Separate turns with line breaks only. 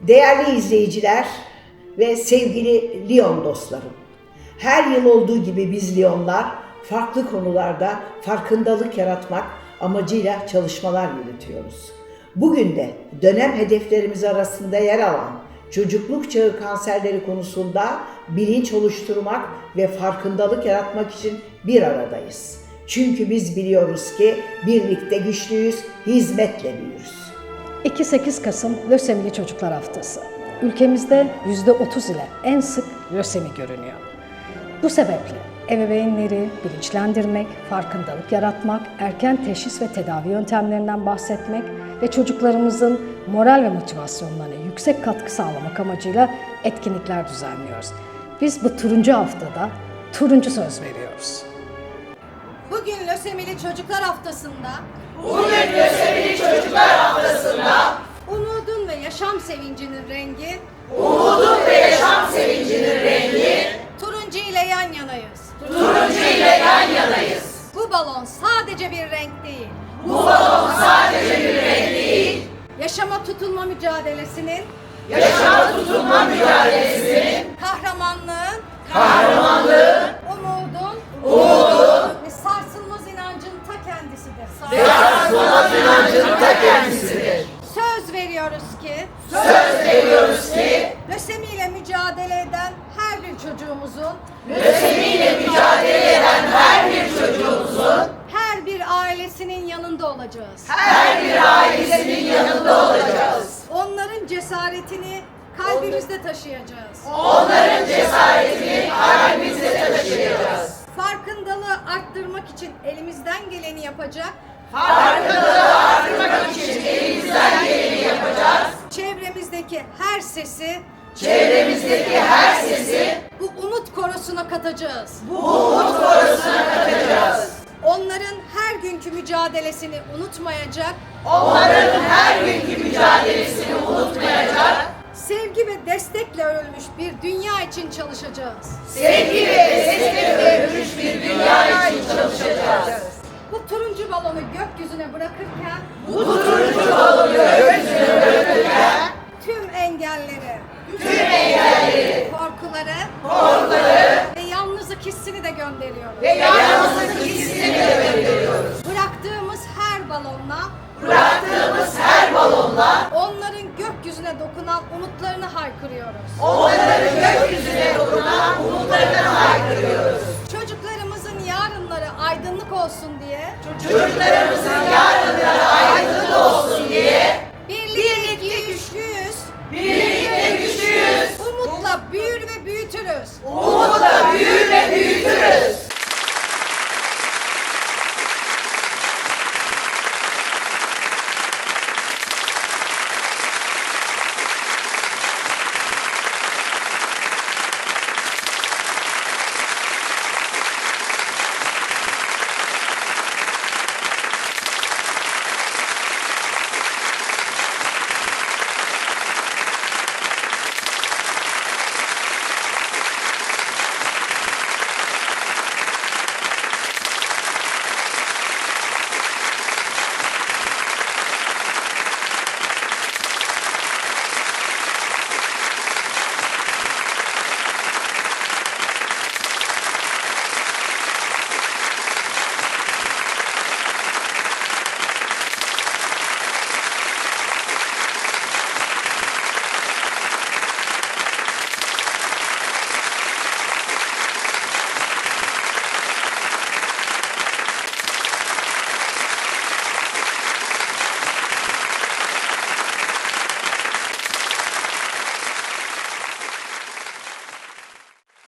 Değerli izleyiciler ve sevgili Lyon dostlarım. Her yıl olduğu gibi biz Lyonlar farklı konularda farkındalık yaratmak amacıyla çalışmalar yürütüyoruz. Bugün de dönem hedeflerimiz arasında yer alan çocukluk çağı kanserleri konusunda bilinç oluşturmak ve farkındalık yaratmak için bir aradayız. Çünkü biz biliyoruz ki birlikte güçlüyüz, hizmetle büyürüz.
2-8 Kasım Lösemili Çocuklar Haftası. Ülkemizde %30 ile en sık lösemi görünüyor. Bu sebeple ebeveynleri bilinçlendirmek, farkındalık yaratmak, erken teşhis ve tedavi yöntemlerinden bahsetmek ve çocuklarımızın moral ve motivasyonlarına yüksek katkı sağlamak amacıyla etkinlikler düzenliyoruz. Biz bu turuncu haftada turuncu söz veriyoruz.
Bugün Lösemili Çocuklar Haftası'nda umudun ve yaşam sevincinin rengi turuncu ile yan yanayız. Bu balon sadece bir renk değil. Yaşama tutunma mücadelesinin kahramanlığın, umudun ve sarsılmaz inancın ta kendisidir. Söz veriyoruz ki lösemiyle mücadele eden her bir çocuğumuzun her bir ailesinin yanında olacağız. Onların cesaretini kalbimizde taşıyacağız. Farkındalığı arttırmak için elimizden geleni yapacak. Çevremizdeki her sesi bu umut korosuna katacağız. Onların her günkü mücadelesini unutmayacak. Sevgi ve destekle örülmüş bir dünya için çalışacağız. Bu turuncu balonu gökyüzüne bırakırken tüm engelleri, korkuları ve yalnızlık hissini de gönderiyoruz. Bıraktığımız her balonla onların gökyüzüne dokunan umutlarını haykırıyoruz. Çocuklarımızın yarınları aydınlık olsun diye